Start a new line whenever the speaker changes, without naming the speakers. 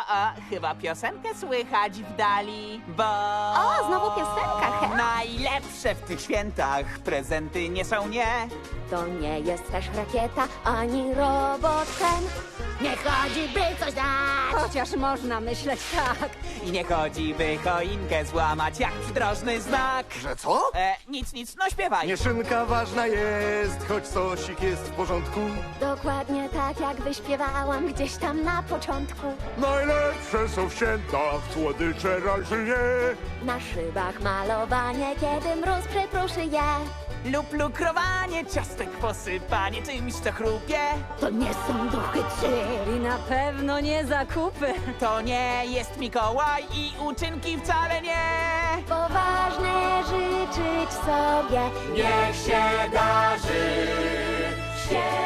chyba piosenkę słychać w dali, bo...
O, znowu piosenka, he.
Najlepsze w tych świętach prezenty nie są, nie.
To nie jest też rakieta, ani robot ten. Nie chodzi, by coś dać.
Chociaż można myśleć tak.
I nie chodzi, by choinkę złamać jak przydrożny znak.
Że co?
Nic, no śpiewaj.
Mieszynka ważna jest, choć sosik jest w porządku.
Dokładnie tak, jak wyśpiewałam gdzieś tam na początku.
Najlepsze są w świętach, słodycze raczej nie.
Na szybach malowanie, kiedy mróz przypruszy je.
Lub lukrowanie, ciastek posypanie czymś, co chrupie.
To nie są duchy trzy.
I na pewno nie zakupy.
To nie jest Mikołaj i uczynki wcale nie.
Poważne życzyć sobie.
Niech się darzy
Święta